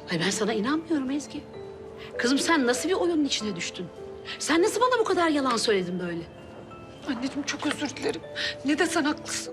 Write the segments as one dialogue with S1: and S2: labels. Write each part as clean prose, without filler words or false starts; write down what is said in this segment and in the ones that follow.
S1: Ay ben sana inanmıyorum Ezgi. Kızım sen nasıl bir oyunun içine düştün? Sen nasıl bana bu kadar yalan söyledin böyle?
S2: Anneciğim çok özür dilerim. Ne desen haklısın.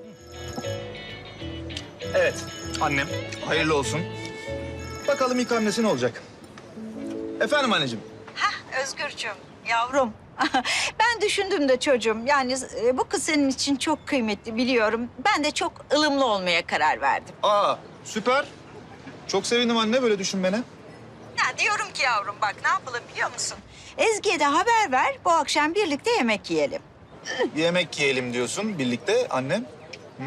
S3: Evet, annem. Hayırlı olsun. Bakalım ilk hamlesi ne olacak? Efendim anneciğim.
S4: Özgürcüğüm, yavrum. Ben düşündüm de çocuğum. Yani bu kız senin için çok kıymetli biliyorum. Ben de çok ılımlı olmaya karar verdim.
S3: Aa, süper. Çok sevindim anne böyle düşünmene.
S4: Ya diyorum ki yavrum bak ne yapalım biliyor musun? Ezgi'ye de haber ver, bu akşam birlikte yemek yiyelim.
S3: Yemek yiyelim diyorsun birlikte annem. Hı?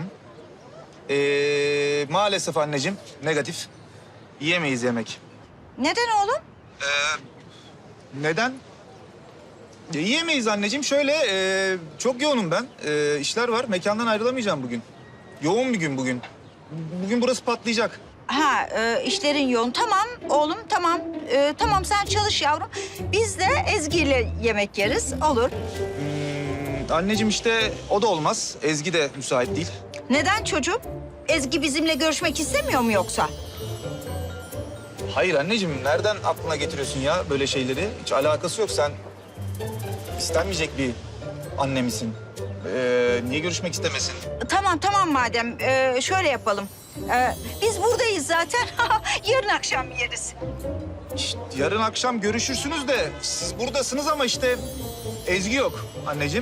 S3: Maalesef anneciğim, negatif. Yiyemeyiz yemek.
S4: Neden oğlum?
S3: Neden? Yiyemeyiz anneciğim. Şöyle, çok yoğunum ben. İşler var. Mekandan ayrılamayacağım bugün. Yoğun bir gün bugün. Bugün burası patlayacak.
S4: İşlerin yoğun. Tamam oğlum, tamam. Tamam sen çalış yavrum. Biz de Ezgi'yle yemek yeriz, olur.
S3: Anneciğim işte o da olmaz. Ezgi de müsait değil.
S4: Neden çocuğum? Ezgi bizimle görüşmek istemiyor mu yoksa?
S3: Hayır anneciğim, nereden aklına getiriyorsun ya böyle şeyleri? Hiç alakası yok. Sen istenmeyecek bir anne misin? Niye görüşmek istemesin?
S4: Tamam madem. Şöyle yapalım. Biz buradayız zaten. Yarın akşam yeriz.
S3: İşte yarın akşam görüşürsünüz de siz buradasınız ama işte Ezgi yok anneciğim.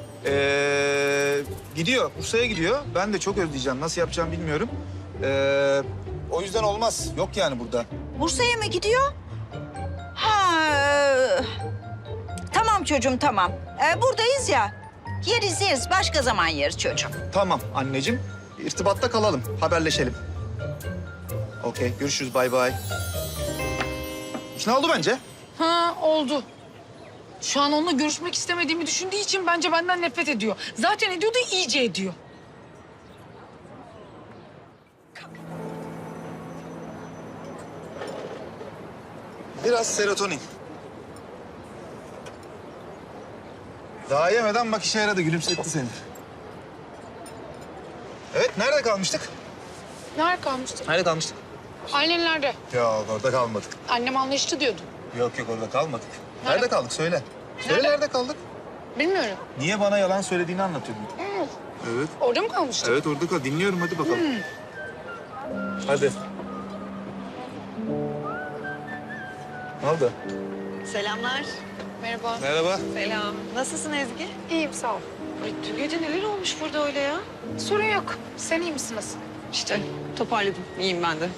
S3: Gidiyor, Bursa'ya gidiyor. Ben de çok özleyeceğim. Nasıl yapacağım bilmiyorum. O yüzden olmaz. Yok yani burada.
S4: Bursa'ya mı gidiyor? Tamam çocuğum, tamam. Buradayız ya. Yeriz. Başka zaman yeriz çocuğum.
S3: Tamam anneciğim. İrtibatta kalalım. Haberleşelim. Okey, görüşürüz. Bay bay. İkna oldu bence.
S2: Ha oldu. Şu an onunla görüşmek istemediğimi düşündüğü için bence benden nefret ediyor. Zaten ediyor da iyice ediyor.
S3: Biraz serotonin. Daha yemeden bak işe yaradı. Gülümsetti seni. Evet, nerede kalmıştık?
S2: Nerede kalmıştık?
S3: Nerede kalmıştık?
S2: Annenlerde.
S3: Yok, orada kalmadık.
S2: Annem anlaştı diyordun.
S3: Yok, orada kalmadık.
S2: Nerede?
S3: Nerede kaldık? Söyle. Söyle
S2: Nerede?
S3: nerede kaldık?
S2: Bilmiyorum.
S3: Niye bana yalan söylediğini anlatıyordun. Evet.
S2: Orada mı kalmıştık?
S3: Evet, orada kal. Dinliyorum, hadi bakalım. Hadi. Ne oldu?
S5: Selamlar.
S2: Merhaba.
S3: Merhaba.
S5: Selam. Nasılsın Ezgi?
S2: İyiyim sağ ol.
S5: Ay, dün gece neler olmuş burada öyle ya?
S2: Sorun yok. Sen iyi misin nasıl?
S5: İşte toparladım. İyiyim ben de.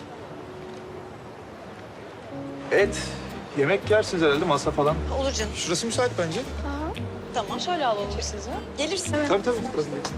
S3: Evet. Yemek yersiniz herhalde, masa falan.
S5: Olur canım.
S3: Şurası müsait bence.
S5: Tamam. Şöyle alalım sizi. Gelirsin.
S3: Tabii. Burası değil.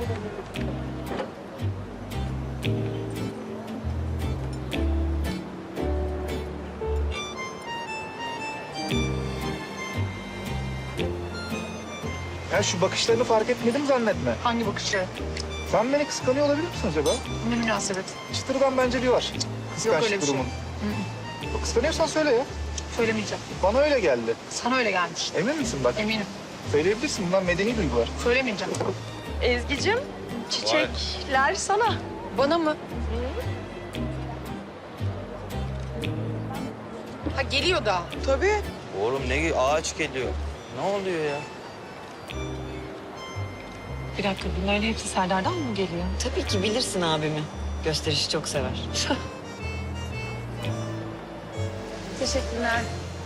S3: Ya şu bakışlarını fark etmedim zannetme.
S2: Hangi bakışı?
S3: Sen beni kıskanıyor olabilir misin acaba?
S2: Ne münasebet.
S3: Çıtırdan bence bir var. Kıskançlık
S2: öyle bir şey.
S3: durumun. Kıskanıyorsan söyle ya.
S2: Söylemeyeceğim.
S3: Bana öyle geldi.
S2: Sana öyle gelmiş.
S3: Emin misin bak?
S2: Eminim.
S3: Söyleyebilirsin. Bunlar medeni duygular.
S2: Söylemeyeceğim.
S5: Ezgi'cim, çiçekler sana.
S2: Bana mı? Ha geliyor da.
S5: Tabii.
S6: Oğlum ne ağaç geliyor. Ne oluyor ya?
S2: Bir dakika bunların hepsi Serdar'dan mı geliyor?
S5: Tabii ki bilirsin abimi. Gösterişi çok sever.
S2: Teşekkürler.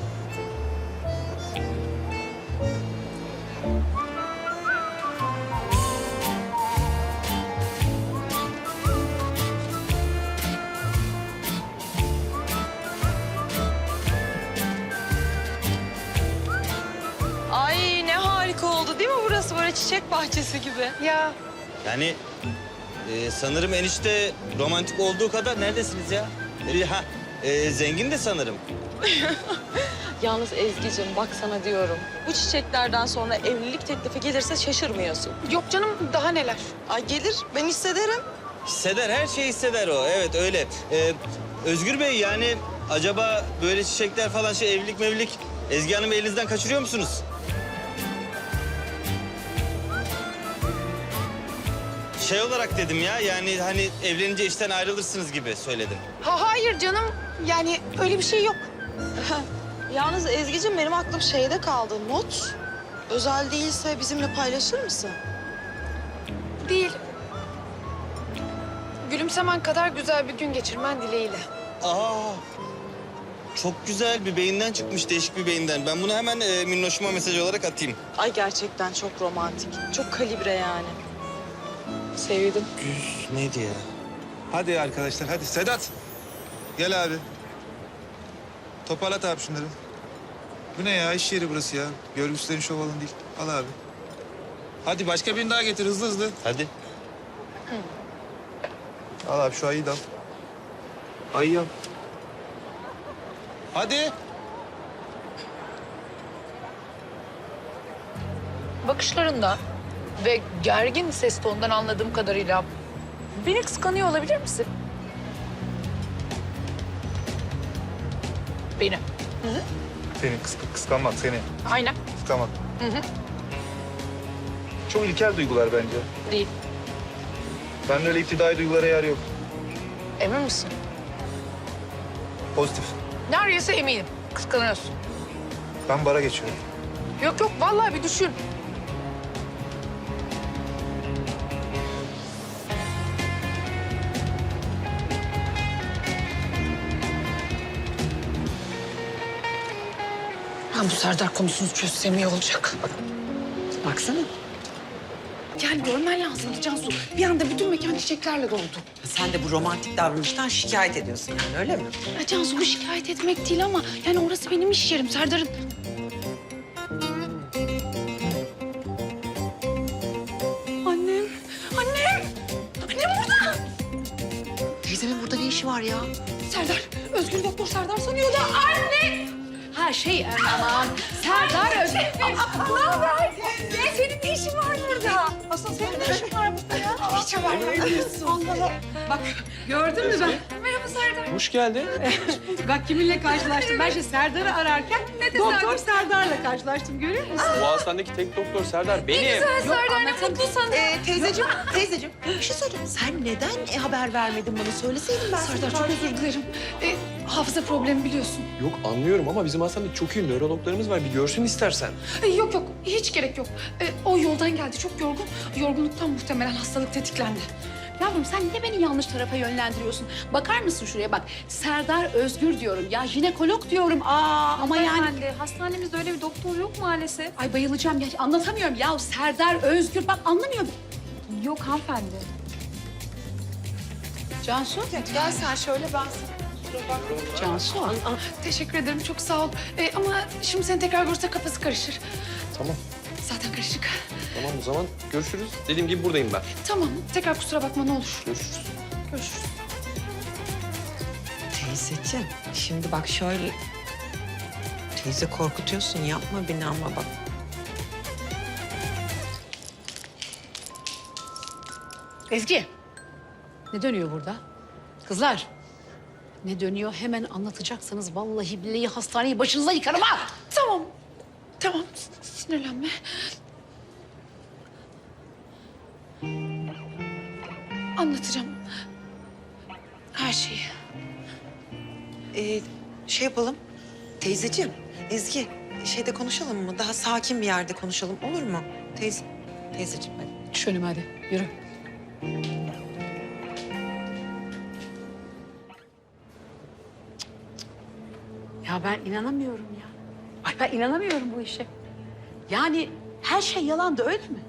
S5: Ay ne harika oldu değil mi burası? Böyle çiçek bahçesi gibi.
S2: Ya
S6: Yani sanırım enişte romantik olduğu kadar neredesiniz ya? Zengin de sanırım.
S5: Yalnız Ezgi'cim bak sana diyorum. Bu çiçeklerden sonra evlilik teklifi gelirse şaşırmıyorsun.
S2: yok canım daha neler.
S5: Ay gelir ben hissederim.
S6: Hisseder, her şeyi hisseder o. Evet öyle. Özgür Bey yani acaba böyle çiçekler falan evlilik mevlilik Ezgi Hanım'ı elinizden kaçırıyor musunuz? şey olarak dedim ya. Yani hani evlenince işten ayrılırsınız gibi söyledim.
S2: Hayır canım. Yani öyle bir şey yok.
S5: Yalnız Ezgi'cim benim aklım şeyde kaldı. Not özel değilse bizimle paylaşır mısın?
S2: Değil. Gülümsemen kadar güzel bir gün geçirmen dileğiyle.
S6: Aa, çok güzel bir beyinden çıkmış, değişik bir beyinden. Ben bunu hemen minnoşuma mesaj olarak atayım.
S5: Ay gerçekten çok romantik. Çok kalibre yani. Sevdim.
S6: Güz neydi ya?
S3: Hadi arkadaşlar hadi. Sedat. Gel abi. Toparlat abi şunları. Bu ne ya? İş yeri burası ya. Görgüsüzlerin şov alanı değil. Al abi. Hadi başka birini daha getir hızlı hızlı.
S6: Hadi.
S3: Al abi şu ayıyı da al. Ayıyı al. Hadi.
S2: Bakışlarından ve gergin ses tonundan anladığım kadarıyla beni kıskanıyor olabilir misin? Beni.
S3: Seni kıskanmak seni.
S2: Aynen.
S3: Kıskanmak.
S2: Hı hı.
S3: Çok ilkel duygular bence.
S2: Değil.
S3: Bende öyle iptidai duygulara yer yok.
S2: Emin misin?
S3: Pozitif.
S2: Neredeyse eminim. Kıskanıyorsun.
S3: Ben bara geçiyorum.
S2: Yok yok vallahi bir düşün. Ben bu Serdar konusunu çözsem iyi olacak.
S7: Baksana.
S2: Yani görmen lazımdı Cansu. Bir anda bütün mekan çiçeklerle doldu.
S7: Sen de bu romantik davranıştan şikayet ediyorsun yani öyle mi?
S2: Ya Cansu bu şikayet etmek değil ama yani orası benim iş yerim Serdar'ın. Annem, annem, annem burada.
S7: Teyzemin burada ne işi var ya?
S2: Serdar, Özgür Doktor Serdar sanıyor da anne.
S1: Ha aman. Serdar Özgür.
S2: Ne haber? Senin ne işin var burada? Asıl senin ne işin var burada ya? Hiç haber vermiyorsun.
S1: Bak gördün mü ben?
S2: Merhaba Serdar.
S8: Hoş geldin.
S1: Bak kiminle karşılaştım. Ben işte Serdar'ı ararken Doktor Serdar'la karşılaştım. Görüyor musun?
S8: Bu hastanedeki tek doktor Serdar benim.
S2: Serdar ne mutlu sana.
S7: Teyzeciğim bir şey söyleyeceğim. Sen neden haber vermedin bana? Söyleseydin ben
S2: Serdar çok özür dilerim. Hafıza problemi biliyorsun.
S8: Yok anlıyorum ama bizim hastanede çok iyi nörologlarımız var. Bir görsün istersen.
S2: Yok yok hiç gerek yok. O yoldan geldi çok yorgun. Yorgunluktan muhtemelen hastalık tetiklendi.
S1: Yavrum sen niye beni yanlış tarafa yönlendiriyorsun? Bakar mısın şuraya bak. Serdar Özgür diyorum ya. Jinekolog diyorum. Ama yani...
S2: Hastanemizde öyle bir doktor yok maalesef.
S1: Ay bayılacağım ya. Anlatamıyorum ya. Serdar Özgür. Bak anlamıyorum.
S2: Yok hanımefendi.
S1: Cansu.
S2: Gel sen şöyle ben
S1: Cansu.
S2: Teşekkür ederim çok sağ ol. Ama şimdi seni tekrar görürse kafası karışır.
S8: Tamam.
S2: Zaten karışık.
S8: Tamam o zaman görüşürüz. Dediğim gibi buradayım ben.
S2: Tamam tekrar kusura bakma ne olur.
S8: Görüşürüz.
S2: Görüşürüz.
S7: Teyzeciğim şimdi bak şöyle... Teyze korkutuyorsun yapma beni ama bak.
S1: Ezgi. Ne dönüyor burada? Kızlar. Ne dönüyor hemen anlatacaksanız vallahi billahi hastaneyi başınıza yıkarım ha.
S2: Tamam. Tamam sinirlenme. Anlatacağım. Her şeyi.
S7: Şey yapalım. Teyzeciğim, Ezgi şeyde konuşalım mı? Daha sakin bir yerde konuşalım olur mu? Teyzeciğim hadi.
S1: Düş önüme hadi. Yürü. Ya ben inanamıyorum ya. Ay ben inanamıyorum bu işe. Yani her şey yalandı öyle mi?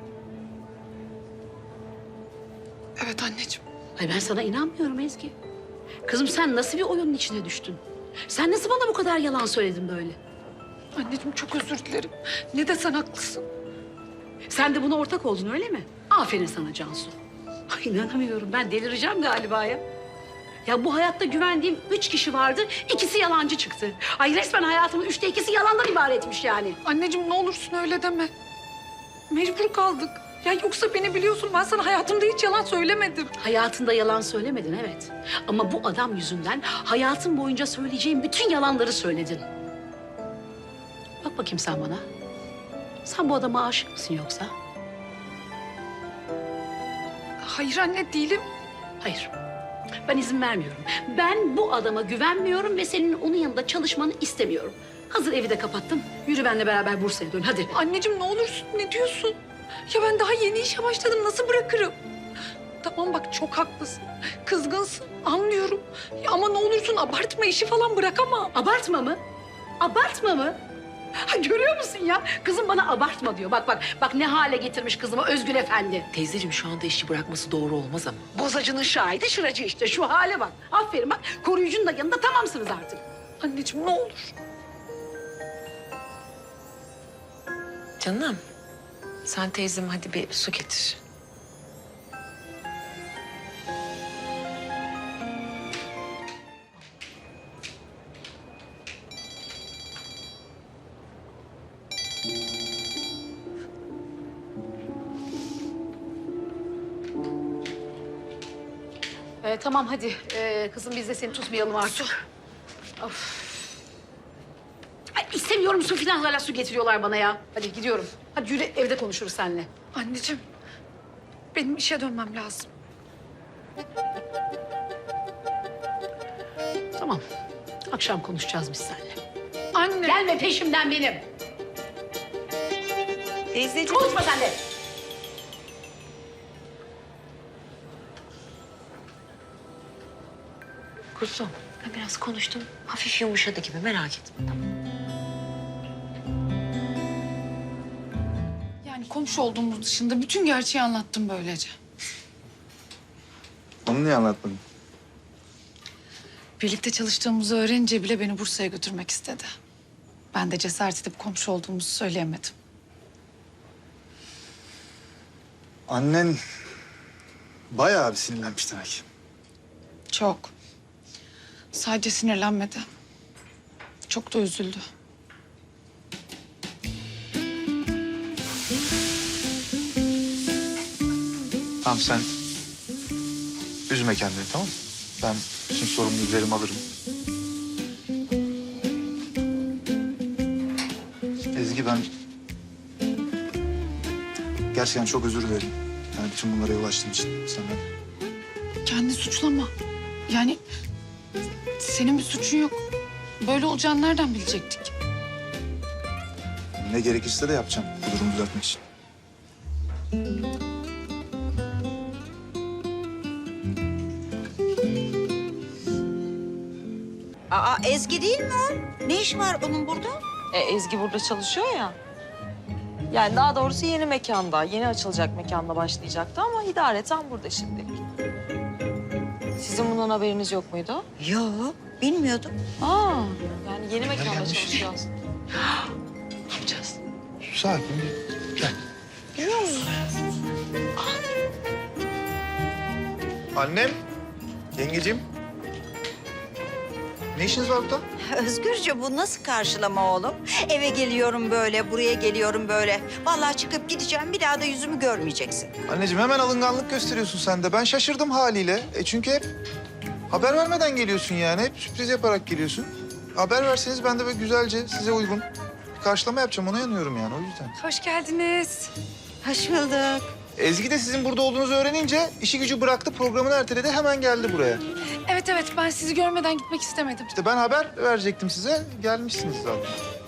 S2: Evet anneciğim.
S1: Ay ben sana inanmıyorum Ezgi. Kızım sen nasıl bir oyunun içine düştün? Sen nasıl bana bu kadar yalan söyledin böyle?
S2: Anneciğim çok özür dilerim. Ne desen haklısın.
S1: Sen de buna ortak oldun öyle mi? Aferin sana Cansu. Ay inanamıyorum ben delireceğim galiba ya. Ya bu hayatta güvendiğim 3 kişi vardı, ikisi yalancı çıktı. Ay resmen hayatımın 2'si yalandan ibaretmiş yani.
S2: Anneciğim ne olursun öyle deme. Mecbur kaldık. Ya yoksa beni biliyorsun ben sana hayatımda hiç yalan söylemedim.
S1: Hayatında yalan söylemedin evet. Ama bu adam yüzünden hayatın boyunca söyleyeceğin bütün yalanları söyledin. Bak bakayım sen bana. Sen bu adama aşık mısın yoksa?
S2: Hayır anne değilim.
S1: Hayır. Ben izin vermiyorum. Ben bu adama güvenmiyorum ve senin onun yanında çalışmanı istemiyorum. Hazır evi de kapattın. Yürü benimle beraber Bursa'ya dön hadi.
S2: Anneciğim ne olursun ne diyorsun? Ya ben daha yeni işe başladım nasıl bırakırım? Tamam bak çok haklısın. Kızgınsın anlıyorum. Ya ama ne olursun abartma işi falan bırakamam.
S1: Abartma mı? Abartma mı? Ha, görüyor musun ya? Kızım bana abartma diyor. Bak ne hale getirmiş kızımı Özgür Efendi.
S7: Teyzeciğim şu anda işi bırakması doğru olmaz ama.
S1: Bozacının şahidi şıracı işte. Şu hale bak. Aferin bak. Koruyucunun da yanında tamamsınız artık.
S2: Anneciğim ne olur.
S7: Canım sen teyzem hadi bir su getir.
S1: Tamam hadi. Kızım biz de seni tutmayalım artık. Of. Ay, istemiyorum su falan hala su getiriyorlar bana ya. Hadi gidiyorum. Hadi yürü evde konuşuruz seninle.
S2: Anneciğim benim işe dönmem lazım.
S1: Tamam. Akşam konuşacağız biz seninle.
S2: Anne.
S1: Gelme peşimden benim.
S4: Teyzeciğim.
S1: Konuşma sen de.
S7: Kuzum ben biraz konuştum. Hafif yumuşadı gibi merak etme tamam.
S2: Yani komşu olduğumuz dışında bütün gerçeği anlattım böylece.
S3: Onu niye anlatmadın?
S2: Birlikte çalıştığımızı öğrenince bile beni Bursa'ya götürmek istedi. Ben de cesaret edip komşu olduğumuzu söyleyemedim.
S3: Annen bayağı bir sinirlenmiş demek.
S2: Çok. Sadece sinirlenmedi. Çok da üzüldü.
S3: Tamam sen üzme kendini tamam mı? Ben bütün sorumluluğu üzerime alırım. Ezgi ben gerçekten çok özür dilerim. Yani bütün bunlara yol açtığım için senden.
S2: Kendini suçlama. Yani senin bir suçun yok. Böyle olacağını nereden bilecektik?
S3: Ne gerekirse de yapacağım bu durumu düzeltmek için.
S4: Aa Ezgi değil mi o? Ne iş var onun burada?
S5: Ezgi burada çalışıyor ya. Yani daha doğrusu yeni mekanda, yeni açılacak mekanda başlayacaktı ama idareten burada şimdi. Sizin bundan haberiniz yok muydu?
S4: Yok, bilmiyordum.
S5: Yani yeni mekanda
S3: gelmiş.
S5: çalışacağız.
S7: Ne yapacağız?
S3: Sakin gel. Annem, yengeciğim. Ne işiniz var burada?
S4: Özgürce bu nasıl karşılama oğlum? Eve geliyorum böyle, buraya geliyorum böyle. Vallahi çıkıp gideceğim, bir daha da yüzümü görmeyeceksin.
S3: Anneciğim hemen alınganlık gösteriyorsun sen de. Ben şaşırdım haliyle. Çünkü hep haber vermeden geliyorsun yani. Hep sürpriz yaparak geliyorsun. Haber verseniz ben de böyle güzelce size uygun bir karşılama yapacağım. Ona yanıyorum yani o yüzden.
S2: Hoş geldiniz.
S4: Hoş bulduk.
S3: Ezgi de sizin burada olduğunuzu öğrenince işi gücü bıraktı, programını erteledi. Hemen geldi buraya.
S2: Evet ben sizi görmeden gitmek istemedim.
S3: İşte ben haber verecektim size. Gelmişsiniz zaten.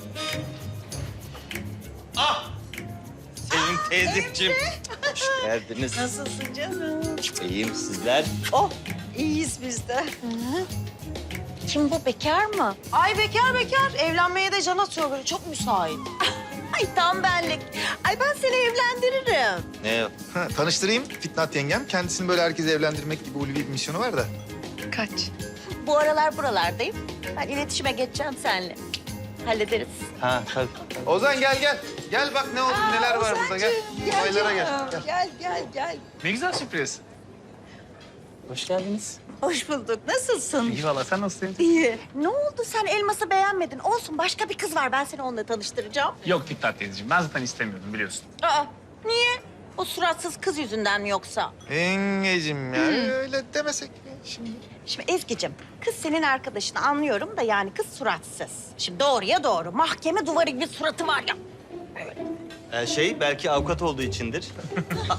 S6: Sevim teyzeciğim. Hoş geldiniz.
S4: Nasılsın canım?
S6: İyiyim sizler.
S4: Oh, iyiyiz biz de.
S5: Kim bu, bekar mı?
S9: Ay bekar. Evlenmeye de can atıyor böyle. Çok müsait.
S4: Ay tam benlik. Ay ben seni evlendiririm.
S6: Ne o?
S3: Tanıştırayım Fitnat yengem. Kendisini böyle herkese evlendirmek gibi ulvi bir misyonu var da.
S2: Kaç?
S4: Bu aralar buralardayım. Ben iletişime geçeceğim seninle. Hallederiz.
S6: Ha tabii.
S3: Ozan gel. Gel bak ne oldu, neler var burada gel. Olaylara gel.
S4: Gel.
S8: Ne güzel sürpriz.
S6: Hoş geldiniz.
S4: Hoş bulduk. Nasılsın?
S8: İyi valla sen nasılsın?
S4: İyi.
S9: Ne oldu sen elması beğenmedin? Olsun başka bir kız var. Ben seni onunla tanıştıracağım.
S8: Yok Fikret teyzeciğim ben zaten istemiyordum biliyorsun.
S9: Aa niye? O suratsız kız yüzünden mi yoksa?
S3: Yengecim ya öyle demesek mi şimdi?
S9: Şimdi Ezgi'cim kız senin arkadaşını anlıyorum da yani kız suratsız. Şimdi doğruya doğru. Mahkeme duvarı gibi suratı var ya.
S6: Belki avukat olduğu içindir.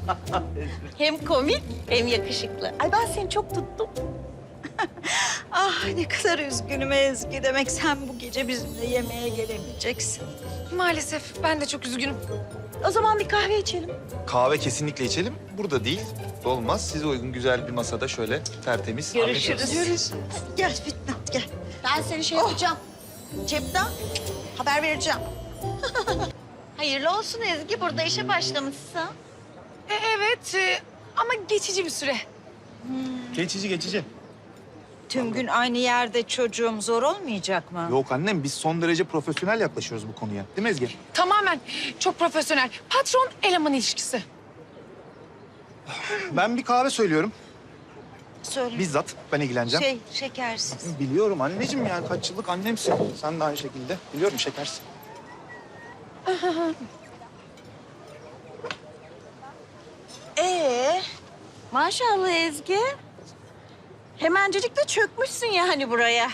S4: Hem komik hem yakışıklı. Ay ben seni çok tuttum. Ah ne kadar üzgünüm Ezgi. Demek sen bu gece bizimle yemeğe gelemeyeceksin.
S2: Maalesef ben de çok üzgünüm.
S4: O zaman bir kahve içelim.
S3: Kahve kesinlikle içelim. Burada değil. Olmaz. Size uygun güzel bir masada şöyle tertemiz.
S4: Görüşürüz. Gel Fitnat gel.
S9: Ben seni şey yapacağım. Cepten haber vereceğim. Hayırlı olsun Ezgi. Burada işe başlamışsın.
S2: Evet ama geçici bir süre.
S3: Geçici.
S4: Tüm gün aynı yerde çocuğum zor olmayacak mı?
S3: Yok annem biz son derece profesyonel yaklaşıyoruz bu konuya. Değil mi Ezgi?
S2: Tamamen çok profesyonel. Patron eleman ilişkisi.
S3: Ben bir kahve söylüyorum.
S4: Söyle.
S3: Bizzat ben ilgileneceğim.
S4: Şekersiz.
S3: Biliyorum anneciğim yani kaç yıllık annemsin. Sen de aynı şekilde. Biliyorum şekersin.
S4: Maşallah Ezgi. Hemencecik de çökmüşsün yani buraya.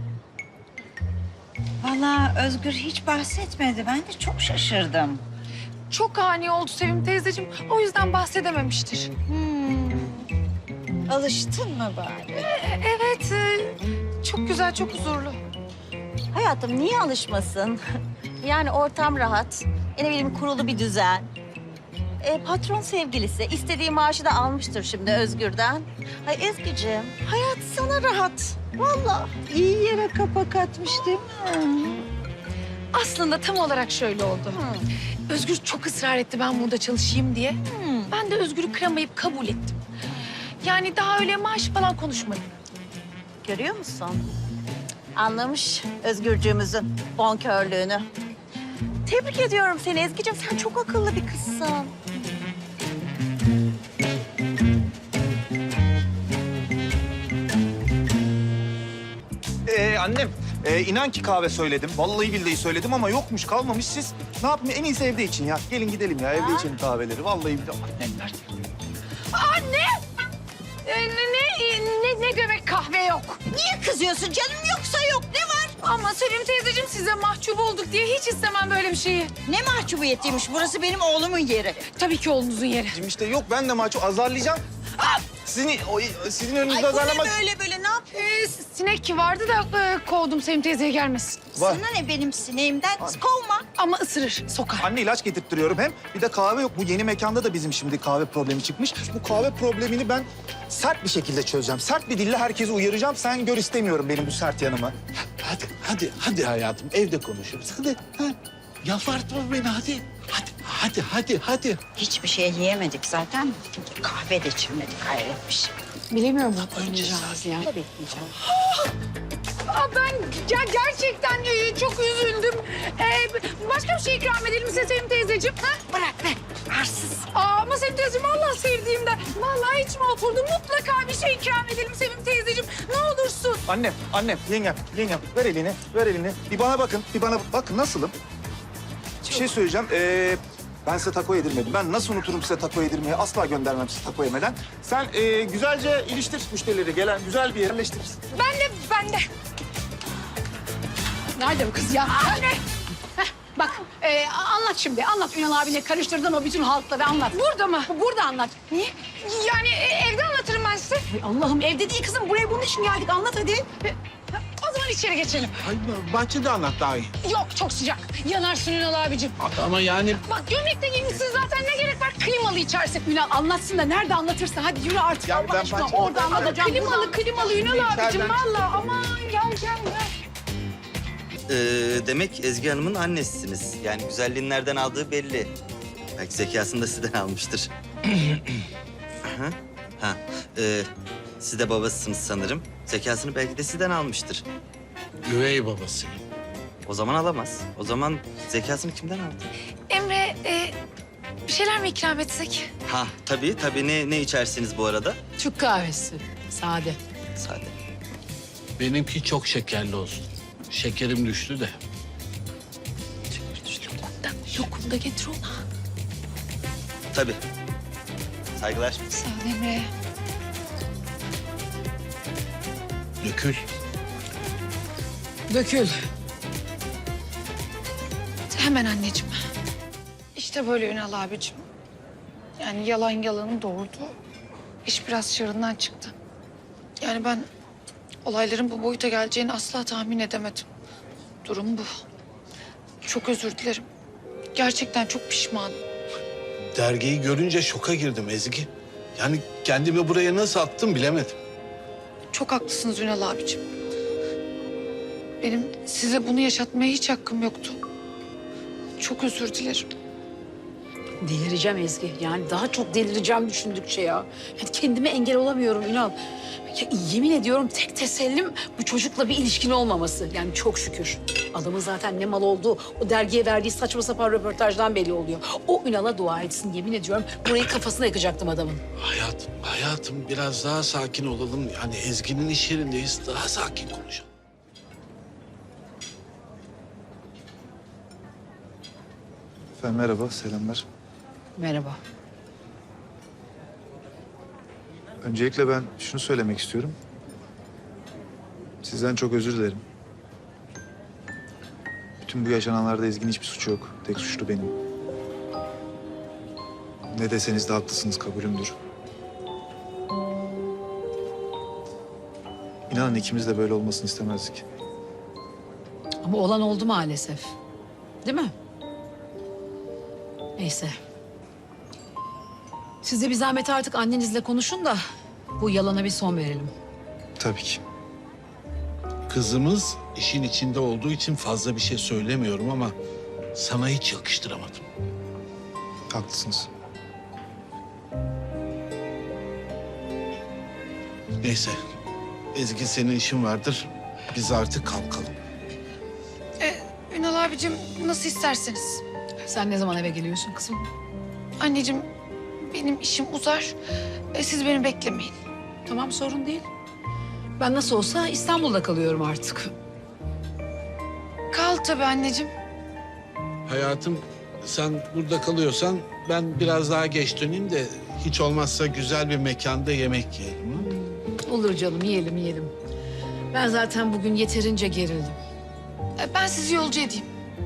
S4: Vallahi Özgür hiç bahsetmedi. Ben de çok şaşırdım.
S2: Çok ani oldu Sevim teyzeciğim. O yüzden bahsedememiştir.
S4: Alıştın mı bari?
S2: Evet, çok güzel, çok huzurlu.
S4: Hayatım niye alışmasın? Yani ortam rahat. Ne bileyim kurulu bir düzen. Patron sevgilisi. İstediği maaşı da almıştır şimdi Özgür'den. Ay Ezgi'ciğim hayat sana rahat. Vallahi iyi yere kapak atmış değil mi?
S2: Aslında tam olarak şöyle oldu. Özgür çok ısrar etti ben burada çalışayım diye. Ben de Özgür'ü kıramayıp kabul ettim. Yani daha öyle maaş falan konuşmadık.
S4: Görüyor musun? Anlamış Özgürcüğümüzün bonkörlüğünü. Tebrik ediyorum seni Ezgi'ciğim. Sen çok akıllı bir kızsın.
S3: Annem inan ki kahve söyledim. Vallahi billahi söyledim ama yokmuş kalmamış. Siz ne yapın en iyisi evde için ya. Gelin gidelim ya evde içelim kahveleri. Vallahi billahi. Annemler.
S2: Ne demek kahve yok?
S4: Niye kızıyorsun canım? Yoksa yok. Ne var?
S2: Ama Sevim teyzeciğim size mahcup olduk diye hiç istemem böyle bir şeyi.
S4: Ne mahcubiyetiymiş. Burası benim oğlumun yeri.
S2: Tabii ki oğlunuzun yeri.
S3: İşte yok ben de mahcup azarlayacağım. Sizin önünüzde azarlamak...
S4: böyle ne yapıyorsun?
S2: Sinek vardı da kovdum Sevim teyzeye gelmesin.
S3: Var.
S4: Sana ne benim sineğimden? Kovma.
S2: Ama ısırır, sokar.
S3: Anne ilaç getirttiriyorum hem. Bir de kahve yok. Bu yeni mekanda da bizim şimdi kahve problemi çıkmış. Bu kahve problemini ben sert bir şekilde çözeceğim. Sert bir dille herkesi uyaracağım. Sen gör istemiyorum benim bu sert yanımı.
S10: Hadi hayatım evde konuşuruz. Hadi. Ha. Yalvartma beni hadi. Hadi.
S4: Hiçbir şey yiyemedik zaten. Kahve de içmedik hayret bir şey.
S2: Bilemiyorum ne yapacağız ya. Ben gerçekten çok üzüldüm. Başka bir şey ikram edelim size Sevim teyzeciğim. Ha?
S4: Bırak be. Arsız.
S2: Ama Sevim teyzeciğim vallahi sevdiğimden. Vallahi içime oturdu. Mutlaka bir şey ikram edelim Sevim teyzeciğim. Ne olursun.
S3: Annem, yengem. Ver elini. Bir bana bakın, bakın nasılım? Bir şey söyleyeceğim. Ben size taco yedirmedim. Ben nasıl unuturum size taco yedirmeyi? Asla göndermem size taco yemeden. Sen güzelce iliştir müşterileri. Gelen güzel bir yerleştir.
S2: Ben de.
S1: Nerede bu kız ya? Anne! Bak anlat şimdi. Anlat Ünal abine karıştırdın o bütün halkları anlat.
S2: Burada mı?
S1: Burada anlat.
S2: Niye? Yani evde anlatırım ben size.
S1: Ay Allah'ım evde değil kızım. Buraya bunun için geldik. Anlat hadi.
S2: O zaman içeri geçelim.
S10: Bahçede anlat daha iyi.
S2: Yok çok sıcak. Yanarsın Ünal abicim.
S10: Ama yani
S2: Bak gömlekte giymişsin zaten ne gerek var? Klimalı içersin.
S1: Ünal anlatsın da nerede anlatırsa. Hadi yürü artık
S10: Ya
S1: Allah
S10: ben
S1: aşkına.
S10: bahçede-
S1: Orada anlatacağım.
S2: Klimalı Ünal abicim vallahi. Aman gel.
S6: Demek Ezgi Hanım'ın annesisiniz. Yani güzelliğini nereden aldığı belli. Belki zekasını da sizden almıştır. Aha. Siz de babasısınız sanırım. Zekasını belki de sizden almıştır.
S10: üvey babası.
S6: O zaman alamaz. O zaman zekasını kimden aldı?
S2: Emre bir şeyler mi ikram etsek?
S6: Ha tabii. Ne içersiniz bu arada?
S1: Türk kahvesi. Sade.
S6: Sade.
S10: Benimki çok şekerli olsun. Şekerim düştü de.
S2: Lokum da getir ona.
S6: Tabii. Saygılar.
S2: Sağ ol Emre.
S10: Dökül.
S1: Dökül.
S2: Hemen anneciğim. İşte böyle Ünal abicim. Yani yalan yalanı doğurdu. İş biraz çığırından çıktı. Yani ben olayların bu boyuta geleceğini asla tahmin edemedim. Durum bu. Çok özür dilerim. Gerçekten çok pişmanım.
S10: Dergiyi görünce şoka girdim Ezgi. Yani kendimi buraya nasıl attım bilemedim.
S2: Çok haklısınız Ünal abicim. Benim size bunu yaşatmaya hiç hakkım yoktu. Çok özür dilerim.
S1: Delireceğim Ezgi. Yani daha çok delireceğim düşündükçe ya. Yani kendime engel olamıyorum Ünal. Ya, yemin ediyorum tek tesellim bu çocukla bir ilişkin olmaması. Yani çok şükür. Adamın zaten ne mal olduğu o dergiye verdiği saçma sapan röportajdan belli oluyor. O Ünal'a dua etsin yemin ediyorum. Burayı kafasına yakacaktım adamın.
S10: Hayatım biraz daha sakin olalım. Yani Ezgi'nin iş yerindeyiz. Daha sakin konuşalım.
S3: Efendim merhaba, selamlar.
S1: Merhaba.
S3: Öncelikle ben şunu söylemek istiyorum. Sizden çok özür dilerim. Bütün bu yaşananlarda Ezgi'nin hiçbir suçu yok. Tek suçlu benim. Ne deseniz de haklısınız, kabulümdür. İnanın ikimiz de böyle olmasını istemezdik.
S1: Ama olan oldu maalesef. Değil mi? Neyse. Siz de bir zahmet artık annenizle konuşun da bu yalana bir son verelim.
S3: Tabii ki.
S10: Kızımız işin içinde olduğu için fazla bir şey söylemiyorum ama sana hiç yakıştıramadım.
S3: Haklısınız.
S10: Neyse. Ezgi senin işin vardır. Biz artık kalkalım.
S2: Ünal abicim nasıl isterseniz.
S1: Sen ne zaman eve geliyorsun kızım?
S2: Anneciğim benim işim uzar. Siz beni beklemeyin.
S1: Tamam sorun değil. Ben nasıl olsa İstanbul'da kalıyorum artık.
S2: Kal tabii anneciğim.
S10: Hayatım sen burada kalıyorsan ben biraz daha geç döneyim de hiç olmazsa güzel bir mekanda yemek yiyelim. Ha?
S1: Olur canım yiyelim. Ben zaten bugün yeterince gerildim.
S2: Ben sizi yolcu edeyim.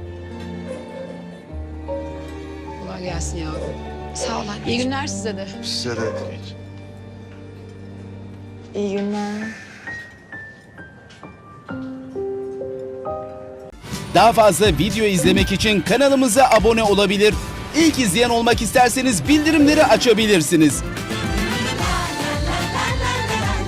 S1: Kolay gelsin yavrum.
S2: Sağ ol anneciğim.
S1: İyi günler size de.
S3: Size de
S5: İyi günler.
S11: Daha fazla video izlemek için kanalımıza abone olabilir. İlk izleyen olmak isterseniz bildirimleri açabilirsiniz.